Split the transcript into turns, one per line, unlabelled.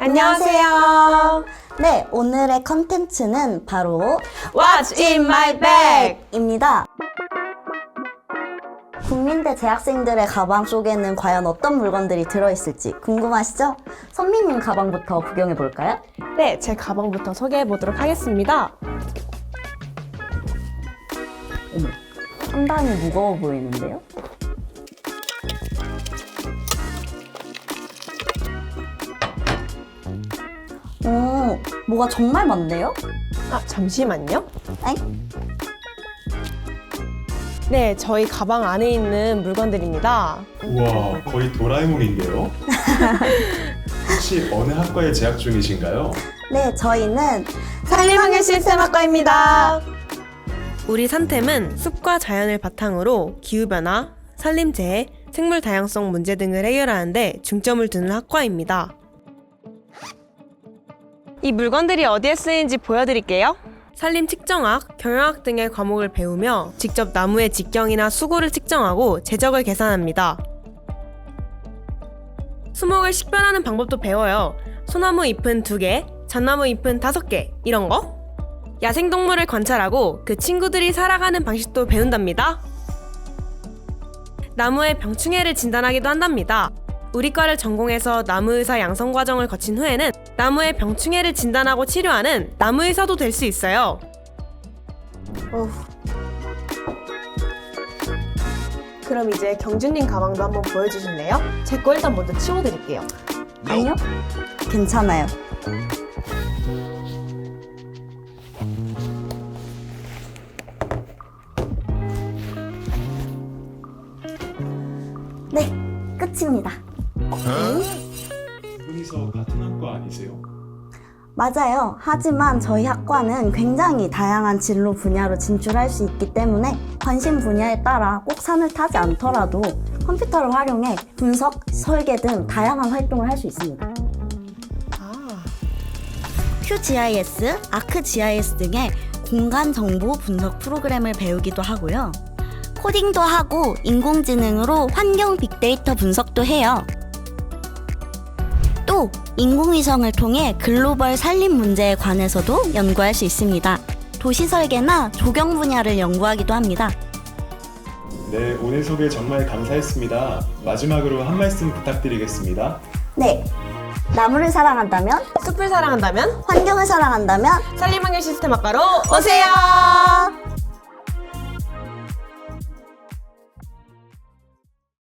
안녕하세요.
네, 오늘의 컨텐츠는 바로
What's in my bag?
입니다. 국민대 재학생들의 가방 속에는 과연 어떤 물건들이 들어있을지 궁금하시죠? 선미님 가방부터 구경해 볼까요?
네, 제 가방부터 소개해 보도록 하겠습니다.
어머, 상당히 무거워 보이는데요? 오, 뭐가 정말 많네요?
아, 잠시만요.
엥?
네, 저희 가방 안에 있는 물건들입니다.
우와, 거의 도라에몽인데요? 혹시 어느 학과에 재학 중이신가요?
네, 저희는
산림환경시스템학과입니다. 우리 산템은 숲과 자연을 바탕으로 기후변화, 산림재해, 생물 다양성 문제 등을 해결하는 데 중점을 두는 학과입니다. 이 물건들이 어디에 쓰이는지 보여드릴게요. 산림 측정학, 경영학 등의 과목을 배우며 직접 나무의 직경이나 수고를 측정하고 제적을 계산합니다. 수목을 식별하는 방법도 배워요. 소나무 잎은 2개, 잣나무 잎은 5개, 이런 거? 야생동물을 관찰하고 그 친구들이 살아가는 방식도 배운답니다. 나무의 병충해를 진단하기도 한답니다. 우리 과를 전공해서 나무의사 양성 과정을 거친 후에는 나무의 병충해를 진단하고 치료하는 나무의사도 될 수 있어요. 그럼 이제 경준님 가방도 한번 보여주실래요? 제 거 일단 먼저 치워드릴게요.
아니요? 괜찮아요. 네, 끝입니다.
두 분이서 같은 학과 아니세요?
맞아요. 하지만 저희 학과는 굉장히 다양한 진로 분야로 진출할 수 있기 때문에 관심 분야에 따라 꼭 산을 타지 않더라도 컴퓨터를 활용해 분석, 설계 등 다양한 활동을 할 수 있습니다. QGIS, ArcGIS 등의 공간 정보 분석 프로그램을 배우기도 하고요. 코딩도 하고 인공지능으로 환경 빅데이터 분석도 해요. 또 인공위성을 통해 글로벌 산림 문제에 관해서도 연구할 수 있습니다. 도시 설계나 조경 분야를 연구하기도 합니다.
네, 오늘 소개 정말 감사했습니다. 마지막으로 한 말씀 부탁드리겠습니다.
네, 나무를 사랑한다면,
숲을 사랑한다면
환경을 사랑한다면
산림환경시스템학과로 오세요.